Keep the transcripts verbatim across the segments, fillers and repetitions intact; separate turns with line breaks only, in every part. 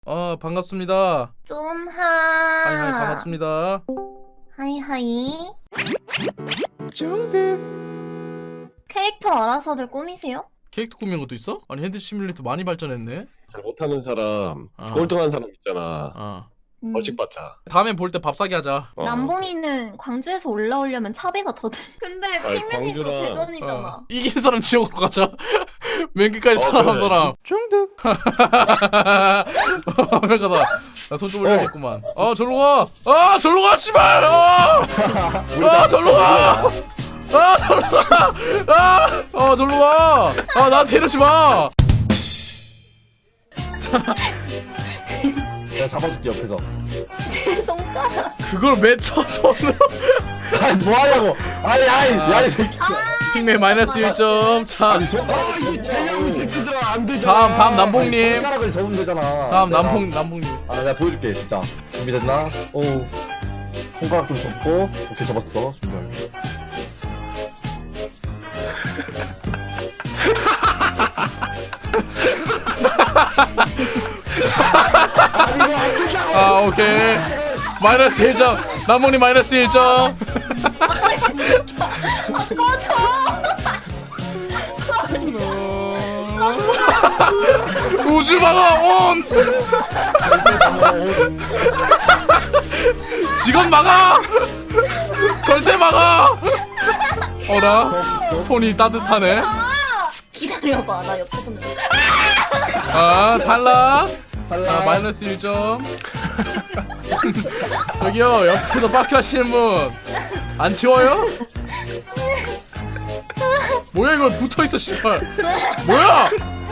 아 반갑습니다.
쫌하.
하이 하이 반갑습니다.
하이하이.
중득.
캐릭터 알아서들 꾸미세요?
캐릭터 꾸미는 것도 있어? 아니 핸드 시뮬레이터 많이 발전했네.
잘 못하는 사람,
어.
꼴등한 사람 있잖아.
어.
음.
벌칙 받자.
다음에 볼 때 밥 사기 하자.
어.
남봉이는 광주에서 올라오려면 차비가 더 들. 근데
아니,
핑맨이도
광주랑-
대전이잖아.
어. 이긴 사람 지옥으로 가자. 맨 끝까지
어,
살아남은
그래.
사람. 중득. 완벽하다. 나 손 좀 올려야겠구만. 아 절로 가. 아 절로 가 씨발. 아, 아 절로 가. 아 절로 가. 아, 아 절로 가. 아 나한테 이러지 마.
내가 잡아줄게 옆에서.
제 손가락.
그걸 맺혀 손으로.
아니 뭐하냐고. 아니 아니
아.
야이 새끼.
핑맨 마이너스 일 점. 자
아니 손가락을
이
접으라고.
대형이 택시들아 안 되잖아.
다음 다음 남봉님.
손가락을 접으면 되잖아.
다음
내가-
남봉 남봉님.
아 내가 보여줄게 진짜. 준비됐나? 오. 손가락 좀 접고. 오케이 접었어. 준비할게. 아니 이거 안 되잖아.
아 오케이. 마이너스 일 점. 남봉님 마이너스 일 점.
아 꺼져.
우주 방어 온. 직원 막아. 절대 막아. 어라 손이 따뜻하네.
기다려봐. 나 옆에서.
아 탈락.
탈락.
아 마이너스 일 점. 저기요 옆에서 빡큐 하시는 분 안 치워요? 뭐야 이거 붙어있어 씨발. 뭐야?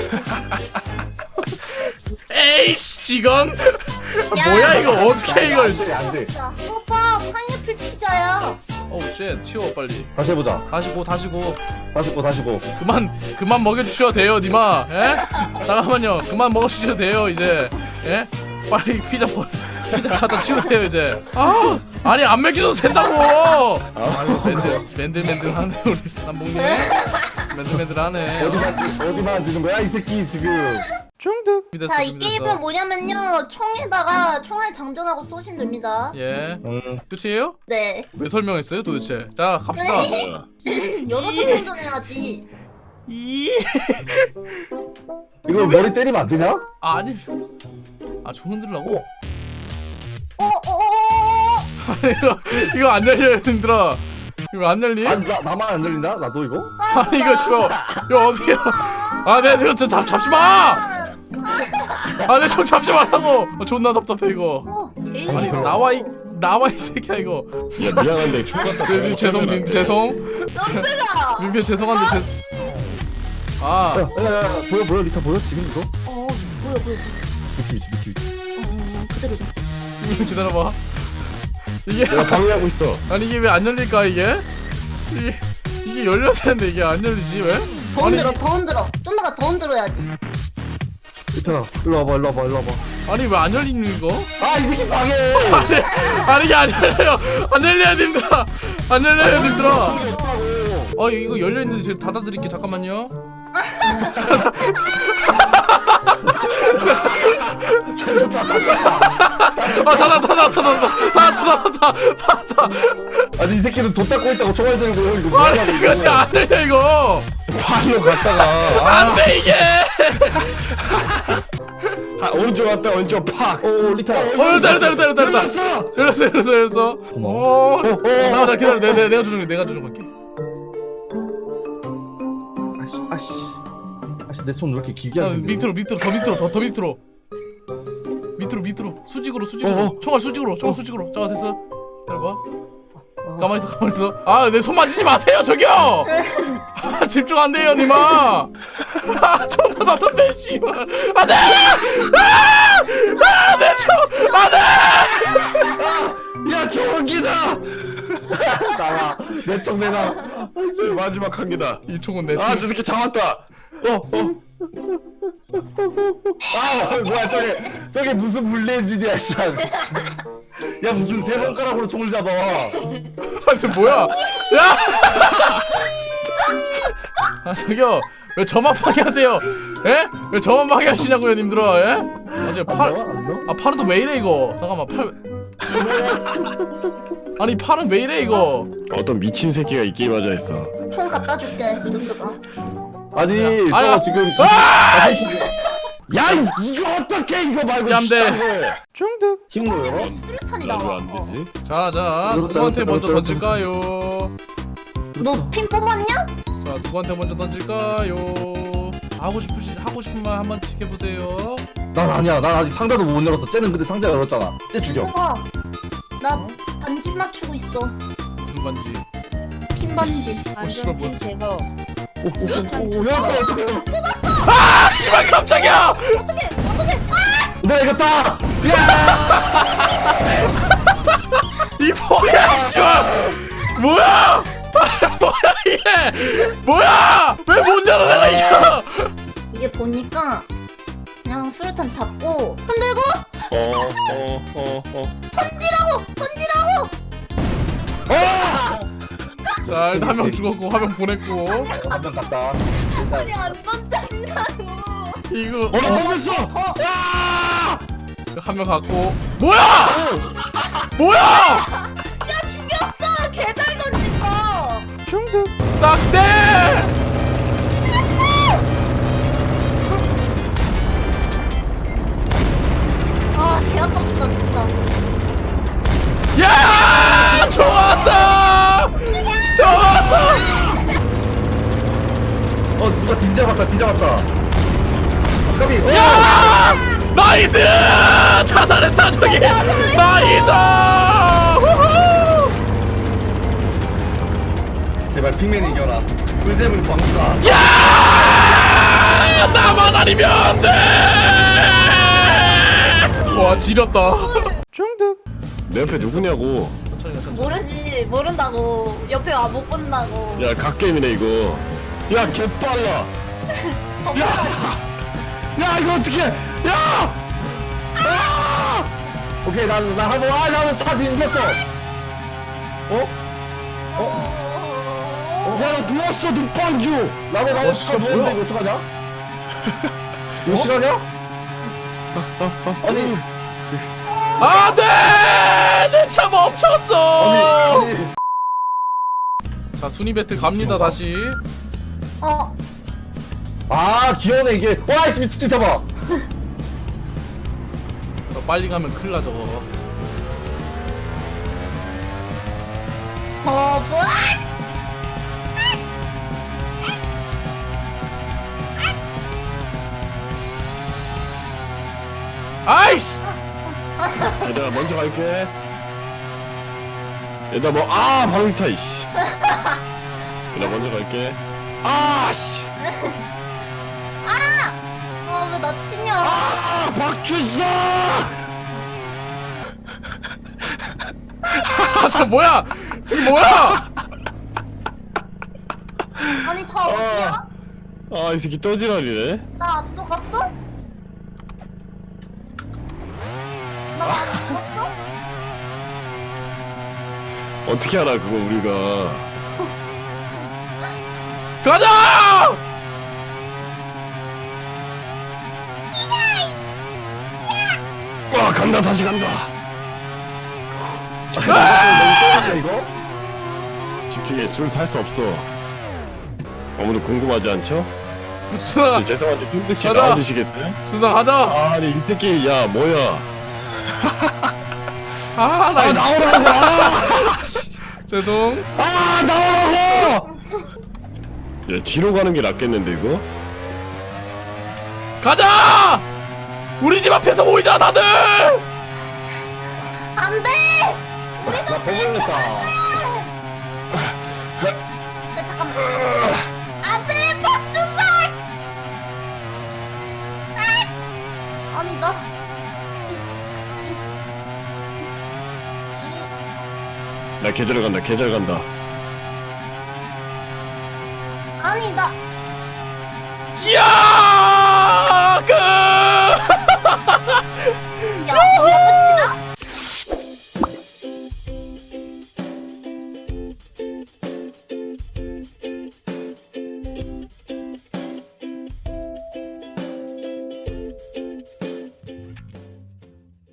에이씨 직원. 뭐야 이거 어떻게 해, 이걸 씨.
안 돼.
오빠 파인애플 피자야.
어우 쉣 치워 빨리.
다시 해보자.
다시 고 다시 고.
다시 고 다시 고.
그만 그만 먹여주셔도 돼요 니마. 예? 잠깐만요 그만 먹여주셔도 돼요 이제. 예? 빨리 피자 버 피자 갖다 치우세요 이제. 아 아니 안 먹여도 된다고.
아,
맨들 맨들맨들하네 우리 남봉님. 맨들맨들하네.
어디만 찌- 어디만 지는 거야 이 새끼 지금.
중득. 준비됐어
자, 이
준비됐어.
게임은 뭐냐면요. 총에다가 총알 장전하고 쏘시면 됩니다.
예.
응.
끝이에요?
네.
왜 설명했어요 도대체? 자 갑시다.
어.
여러 번 장전해야지.
이
이거 머리 때리면 안 되냐?
아니 아총 흔들라고?
어, 어, 어, 어.
이거 이거 안 열려 힘들어. 이거 안 열리?
아니 나 나만 안 들린다? 나도 이거?
아니 이거 싫어. 이거 어떻게? 아내 이거 저 잡, 잡지 마. 아내 총 잡지 말라고. 어, 존나 답답해 이거.
어, 제일
아니
싫어.
나와 이 나와 이 새끼야 이거.
야 미안한데 총 갖다
네, 네, 죄송 민 죄송.
깜짝아.
민폐 죄송한데 죄. 아
야야야 보여 보여 리타 보여 지금 이거?
어, 뭐야, 뭐야.
느낌 있지 느낌 있지.
어, 그대로다.
기다려봐. 이게
내가 방해하고 있어.
아니 이게 왜 안 열릴까 이게? 이게 이게 열려야 되는데 이게 안 열리지 왜?
더
아니,
흔들어, 더 흔들어. 좀 더 더 흔들어야지.
리타 일로 와봐 일로 와봐 일로 와봐.
아니 왜 안 열리는 이거?
아 이 새끼 방해.
아니 아니 이게 안 열려요. 안 열려요 님들아. 안 열려요 님들아. 아 이거 열려 있는데 제가 닫아드릴게 잠깐만요. 아 닫아 닫아 닫아 닫아 닫아 닫아 닫아.
아니 이 새끼는 돈 닦고 있다고 총알 들고 이거
아니
뭐하냐고,
이것이
이거.
안 열려 이거.
발로 갔다가
안돼 이게.
아, 오른쪽 갔다 왼쪽 팍.
오 리타.
어 열렸다 열렸다 열렸다 열렸다 열렸어 열렸어 열렸어 열렸어. 오 나나 기다려 내가 내가 조정해 내가 조정할게.
아씨 아씨 아씨 내 손 왜 이렇게 길게
아,
하지?
밑으로 밑으로 더 밑으로 더, 더 밑으로 밑으로 밑으로 수직으로 수직으로
어, 어.
총알 수직으로 총알 수직으로 잠깐 됐어 기다려봐. 가만히 있어 가만히 있어. 아 내 손 만지지 마세요 저기요. 아, 집중 안 돼요 니마. 아 존나 답답해 씨발. 안돼. 아내총 안돼.
야 저기다.
나와 내총 내놔.
마지막 한 개다.
이 총은 내 총.
아 저 새끼 잡았다. 어 어.
아 뭐야 저게 저게 무슨 물레진이야 씨. 야 무슨 세 손가락으로 총을 잡아.
아니 저 뭐야? 야! 아 저기요 왜 저만 방해하세요? 예? 왜 저만 방해하시냐고요, 님들아? 예? 아, 제 팔,
안 넣어? 안 넣어?
아 팔은 또 왜 이래 이거? 잠깐만 팔. 아니 팔은 왜 이래 이거?
어떤 미친 새끼가 이 게임 하자 했어.
총 갖다 줄게. 좀더가
아니 저
아야.
지금
아!
야 이거 어떻게 이거 말고
얌대.
씨발.
중득.
힘들어?
수류탄이
나도
나와.
안 되지.
자자 누구한테 먼저 던질까요?
너 핀 뽑았냐?
자 누구한테 먼저 던질까요? 하고 싶으시 하고 싶은 말 한번 해보세요.
난 아니야. 난 아직 상자도 못 열었어. 쟤는 근데 상자 열었잖아. 쟤 죽여.
수가. 나 반지 맞추고 있어.
무슨 반지?
핀 반지.
씨발, 뭐야.
완전 제거.
오오오 열었어. 어떻게?
아 씨발 깜짝이야!
어떻게? 어떻게? 아!
내가 이겼다. 야!
이 뭐야 씨발! 뭐야! 뭐야 이게! 뭐야! 왜 못 열어 내가 이겨!
이게 보니까 그냥 수류탄 잡고 흔들고
어어어 어, 어.
던지라고! 던지라고!
자 일단 한 명 죽었고 화면 보냈고
한명 갔다.
아니 안 던진다고.
이거
어나 뽑았어.
한 명 갔고 뭐야! 뭐야!
야 죽였어! 개잘 던진 거!
중득 딱대!
아 개아깝다 진짜.
야! 좋았어! 좋았어!
어 누가 뒤잡았다. 뒤잡았다. 까비. 어!
야! 나이스! 자살했다 저기! 나이스! 우후!
제발 핑맨 이겨라. 꿀잼은 광사.
야! 나만 아니면 안 돼! 와 지렸다. 중득.
내 옆에 누구냐고.
모르지 모른다고. 옆에 와 못 본다고.
야 갓게임이네 이거. 야 개빨라. 야! 야 이거 어떻게? 야! 아!
오케이 난나 한번 아 나는 차 뒤집혔어. 어?
어?
야 나 누웠어 눈빵주.
나도 나도
어,
차
진짜
누웠는데
뭐야?
이거 어떡하냐? 이거 실화냐? 아니
안돼! 내 차 멈췄어!
아니 아니
자 순위 배틀 갑니다 다시.
어?
아 귀여우네 이게. 와이씨 미친 잡아.
저 빨리 가면 큰일 나 저거.
어 뭐야?
아이씨!
얘들아 먼저 갈게. 얘들아 뭐아 방위타 이씨. 얘들아 먼저 갈게. 아씨.
알아! 어 왜 나 치냐?
아 박준서.
아저 뭐야? 지금 뭐야?
아니 다 어디야?
아 이 새끼 떠지랄이네.
나 앞서갔어? 나 앞서갔어?
어떻게 알아 그거 우리가.
가자!
와 간다 다시 간다.
아! 이거?
집중해 술 살 수 없어. 아무도 궁금하지 않죠?
준상아,
네, 죄송한데 쫀득씨
가자.
나와주시겠어요?
준상 가자.
아니 이 새끼 야 뭐야.
아, 나
아 나오라고. 아,
죄송.
아 나오라고. 야 뒤로 가는 게 낫겠는데 이거?
가자! 우리 집 앞에서 모이자 다들.
안 돼!
나 버블냈다.
네, 잠깐만. 안 돼! 박준석! 아! 아니, 나.
나 계절 간다 계절 간다.
아니, 나.
이야!